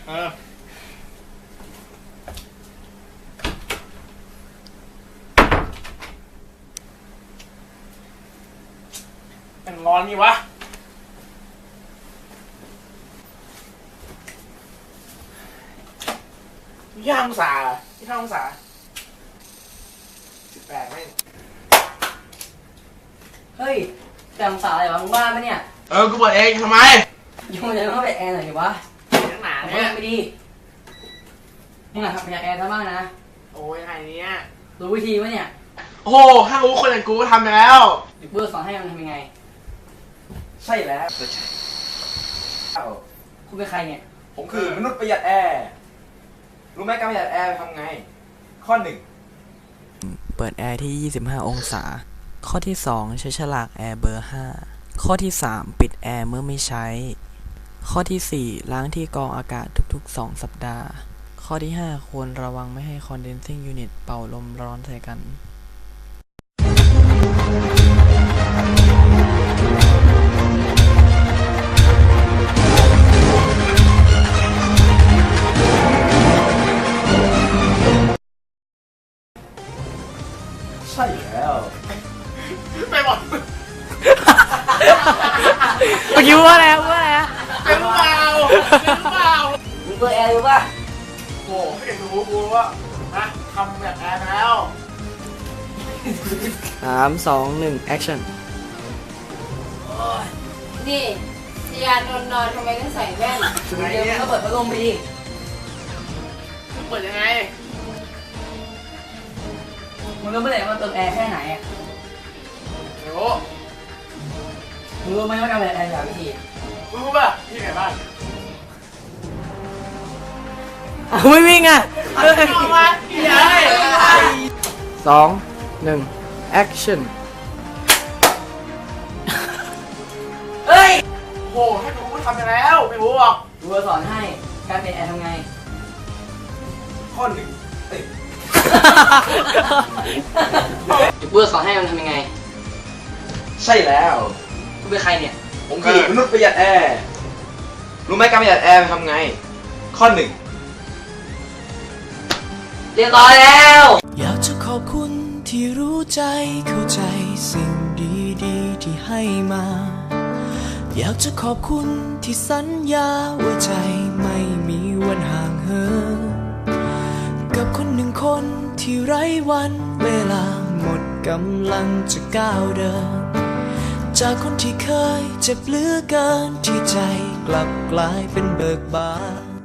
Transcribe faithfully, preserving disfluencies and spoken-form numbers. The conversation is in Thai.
เออเป็นร้อนนี่วะยี่ห้าองศายี่ห้าองศาสิบแปดไม่เฮ้ยแต่องศาอะไรวะมึงบ้าปะเนี่ยเออกูเปิดเองทำไมยุ่งเลยต้องไปแอร์หน่อยดิวะนักหนาเนี่เนี่ยไม่ดีมึงอะทำอยากแอร์ซะบ้างนะโอ้ยไงเนี้ยรู้วิธีปะเนี่ยโอ้โหถ้ารู้คนอย่างกูก็ทำไปแล้วเดี๋ยวเพื่อสอนให้มันทำยังไงใช่แล้วคุณเป็นใครเนี่ยผมคือมนุษย์ประหยัดแอร์รู้ไหมการประหยัดแอร์ทำไงข้อหนึ่งเปิดแอร์ที่ยี่สิบห้าองศาข้อที่สองใช้ฉลากแอร์เบอร์ห้าข้อที่สามปิดแอร์เมื่อไม่ใช้ข้อที่สี่ล้างที่กรองอากาศทุกๆสองสัปดาห์ข้อที่ห้าควรระวังไม่ให้ condensing unit เป่าลมร้อนใส่กันใช่แล้วไปหมดเมื่อกี้ว่าแล้วว่าแล้วเป็นเปล่าเป็นเปล่ามึงเปิดแอร์ดูป่ะโอ้ไม่เห็นรู้กูว่านะทำแบบแอร์แล้วสามสองหนึ่ง action นี่ยานอนนอนทำไมต้องใส่แว่นเดี๋ยวมึงก็เปิดพัดลมไปดิมึงเปิดยังไงมึงก็ไม่ได้ว่าเติมแอร์แค่ไหนอ่ะไม่รู้มึงรู้ไหมว่าการประหยัดแอร์อย่างวิธีมึงรู้ป่ะที่ไหนบ้างอ้าวไม่วิ่งอ่ะเอามาที่ไหนสองหนึ่ง action เฮ้ยโอ้ให้กูทำไปแล้วไม่รู้หรอกกูจะสอนให้การเป็นแอร์ทำไงข้อหนึ่งเอ้ยเดี๋ยวกูจะสอนให้มันทำยังไงใช่แล้วกูเป็นใครเนี่ยผมคือมนุษย์ประหยัดแอร์รู้ไหมการประหยัดแอร์ทำไงข้อหนึ่งเรียบร้อยแล้วอยากจะขอบคุณที่รู้ใจเข้าใจสิ่งดีๆที่ให้มาอยากจะขอบคุณที่สัญญาว่าใจไม่มีวันห่างเหินกับคนหนึ่งคนที่ไร้วันเวลาหมดกำลังจะก้าวเดินจากคนที่เคยเจ็บเหลือเกินที่ใจกลับกลายเป็นเบิกบาน